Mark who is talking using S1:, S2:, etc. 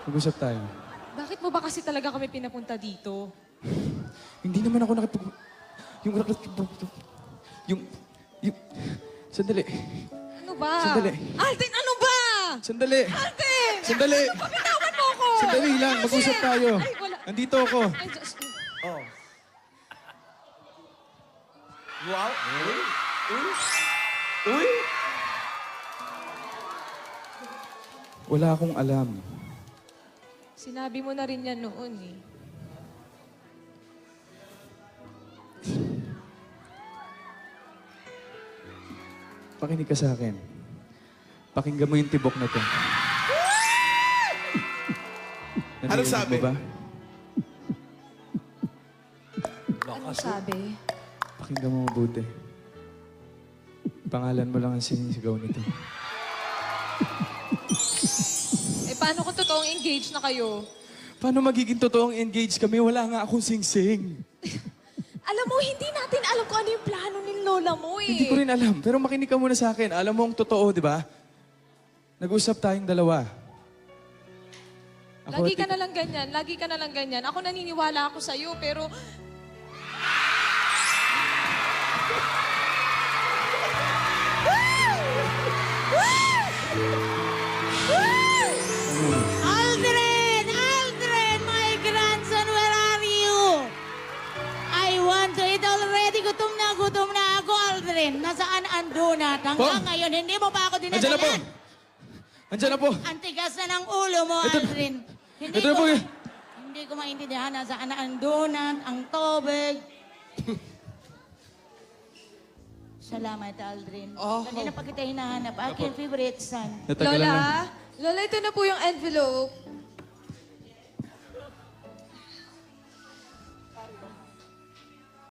S1: Mag-usap tayo.
S2: Bakit mo ba kasi talaga kami pinapunta dito?
S1: Hindi naman ako nakipag... Yung... Yung... Yung... Sandali.
S2: Ano ba?
S1: Sandali.
S2: Alden, ano ba?
S1: Sandali.
S2: Alden!
S1: Sandali.
S2: Ano ba? Bitawan mo ko!
S1: Sandali lang. Mag-usap tayo.
S2: Ay, wala.
S1: Andito ako.
S2: Ay, Diyos ko.
S3: Oh. Wow. Uy. Uy. Uy.
S1: Wala akong alam.
S2: Sinabi mo na rin yan noon eh.
S1: Pakinig ka sa akin. Pakinggan mo yung tibok na to. Narinig
S3: sabi?
S1: mo ba?
S2: Ano sabi?
S1: Pakinggan mo mabuti. Pangalan mo lang ang sinisigaw nito.
S2: Eh, paano kung totoong engaged na kayo?
S1: Paano magiging totoong engaged kami? Wala nga akong sing-sing.
S2: Alam mo, hindi natin alam kung ano yung plano ni Lola mo eh.
S1: Hindi ko rin alam. Pero makinig ka muna sa akin. Alam mo ang totoo, di ba? Nag-usap tayong dalawa.
S2: Lagi ka na lang ganyan. Lagi ka na lang ganyan. Ako naniniwala ako sa'yo, pero...
S4: Aldrin! Aldrin! My grandson, where are you? I want to eat already. Gutom na ako, Aldrin. Nasaan ang donut? Hanggang
S1: Po?
S4: ngayon, hindi mo pa ako
S1: Andiyan na po!
S4: dinadalan.
S1: Andiyan na po!
S4: Ang tigas na ng ulo mo,
S1: Ito-
S4: Aldrin.
S1: ito na po yun.
S4: Hindi ko maintindihan nasaan na ang donut, ang tubig. Salamat, Aldrin. Kanina pa kita hinahanap. Aking favorite son.
S1: Natagalan lang.
S2: Lola, ito na po yung envelope.